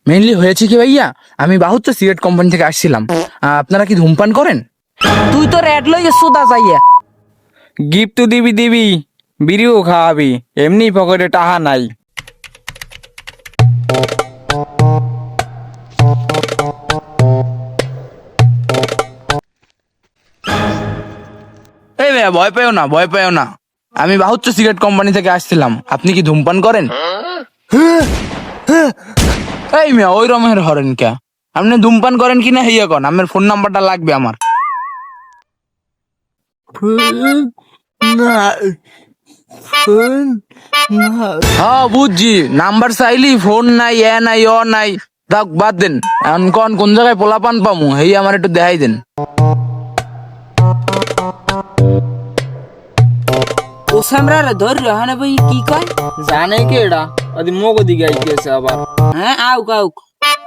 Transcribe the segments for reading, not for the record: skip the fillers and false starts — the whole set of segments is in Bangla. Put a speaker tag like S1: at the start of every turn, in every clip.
S1: মেইনলি হয়েছে কি ভাইয়া, আমি বাহুচ্চ সিগারেট কোম্পানি থেকে আসছিলাম। আপনারা কি ধূমপান করেন?
S2: তুই তো রেড লইয়ে সুদা যাইয়া
S3: গিফট তো দিবি বিড়িও খাওয়াবি, এমনি পকেটে টাকা নাই।
S1: এই ভাইয়া ভয় পেও না, ভয় পেও না, আমি বাহুচ্চ সিগারেট কোম্পানি থেকে আসছিলাম। আপনি কি ধূমপান করেন? এই মিয়া ওই রমের হরেন কে? আপনি ধূমপান করেন কিনা হেয়া কন, আমার ফোন নাম্বারটা লাগবে আমার। হ্যাঁ বুঝছি, নাম্বার চাইলি ফোন নাই, এ নাই, অ নাই, থাক বাদ দেন। এখন কোন জায়গায় পোলাপান পামু হেই আমার একটু দেখাই দেন।
S2: ও সামরারে ধর রহানে ভাই কি কয়
S3: জানে কি এটা আদি মগো দিকে আইতেছে আবার।
S2: হ্যাঁ আউক আউক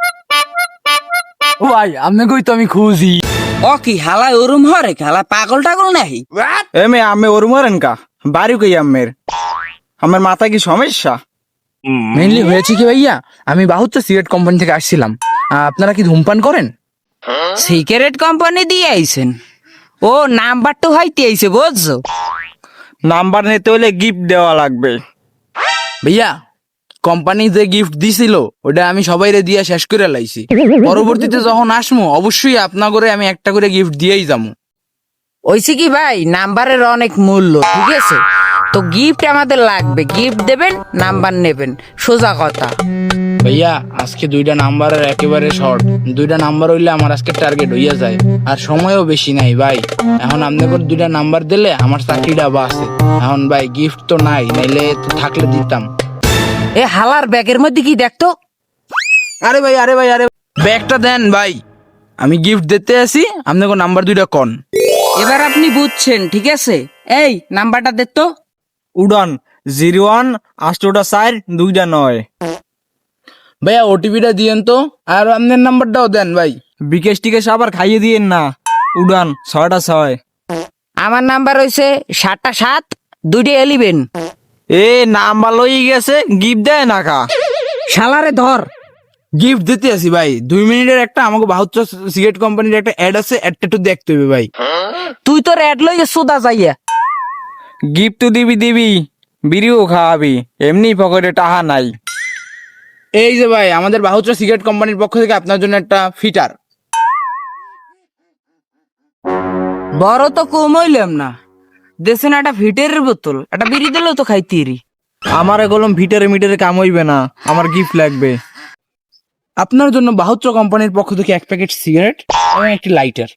S1: ও ভাই আপনি কই তো আমি খুঁজি।
S2: ও কি হালা ওরম হরে হালা পাগল টাগল নাহি
S3: এমে আমি ওর মরেন কা বাড়ি কই আমের, আমার মাথা কি সমস্যা?
S1: মেইনলি হয়েছে কি ভাইয়া, আমি বাহুচ্চ সিগারেট কোম্পানি থেকে আসছিলাম। আপনারা কি ধূমপান করেন?
S2: সিগারেট কোম্পানি দিয়ে আইছেন? ও নাম্বার তো হইতে আইছে বুঝছো।
S3: নাম্বার নিতে হলে গিফট দেওয়া লাগবে।
S1: ভাইয়া কোম্পানি যে গিফট দিছিল ওটা আমি সবাইরে দিয়া শেষ করে লাইছি। পরবর্তীতে যখন আসমু অবশ্যই আপনার করে আমি একটা করে গিফট দিয়েই যাবো।
S2: ওইছে কি ভাই নাম্বারের অনেক মূল্য, ঠিক আছে? তো গিফট আমাদের লাগবে, গিফট দেবেন নাম্বার নেবেন, সোজা কথা।
S1: ভাইয়া আজকে দুইটা নাম্বারের একেবারে শর্ট, দুইটা নাম্বার হইলে আমার আজকে টার্গেট হইয়া যায়, আর সময়ও বেশি নাই ভাই। এখন আপনাদের দুইটা নাম্বার দিলে আমার চাকরিটা বাঁচে। এখন ভাই গিফট তো নাই, নাইলে তো থাকলে দিতাম।
S2: এ হালার ব্যাগের মধ্যে কি দেখতো?
S1: আরে ভাই ব্যাগটা দেন ভাই, আমি গিফট দিতে আসি, আপনাকে নাম্বার দুইটা কন।
S2: এবার আপনি বুঝছেন, ঠিক আছে? এই নাম্বারটা দে তো।
S3: উড়ান 018442
S1: ভাইয়া ওটিপিটা দিয়েন তো, আর আপনার নাম্বারটাও দেন ভাই।
S3: বিকেশ টিকেশ আবার খাইয়ে দিয়েন না। উড়ান 6টা 6।
S2: আমার নাম্বার হইছে 7টা 7 2টা 11।
S3: এ নাম্বার লই গেছে, গিফট দেয় না কা?
S2: শালারে ধর।
S1: গিফট দিতে আসি ভাই, 2 মিনিটের একটা আমাকে বাহুচ্চ সিগারেট কোম্পানির একটা অ্যাড আছে, অ্যাডটা একটু দেখতে হবে ভাই।
S2: তুই তো রেড লইয়ে সুদা যাইয়া
S3: গিফট তো দিবি বিড়িও খাওয়াবি, এমনি পকেটে টাকা নাই।
S1: এই যে ভাই আমাদের বাহুচ্চ সিগারেট কোম্পানির পক্ষ থেকে আপনার জন্য একটা ফিটার।
S2: বড় তো কম হইলাম না, দেশেন একটা ভিটের বোতল, একটা বিড়ি দিলেও তো খাইতিরি।
S3: আমার এগুলো ভিটারে মিটারে কাম হইবে না, আমার গিফট লাগবে।
S1: আপনার জন্য বাহুচ্চ কোম্পানির পক্ষ থেকে 1 প্যাকেট সিগারেট এবং একটি লাইটার।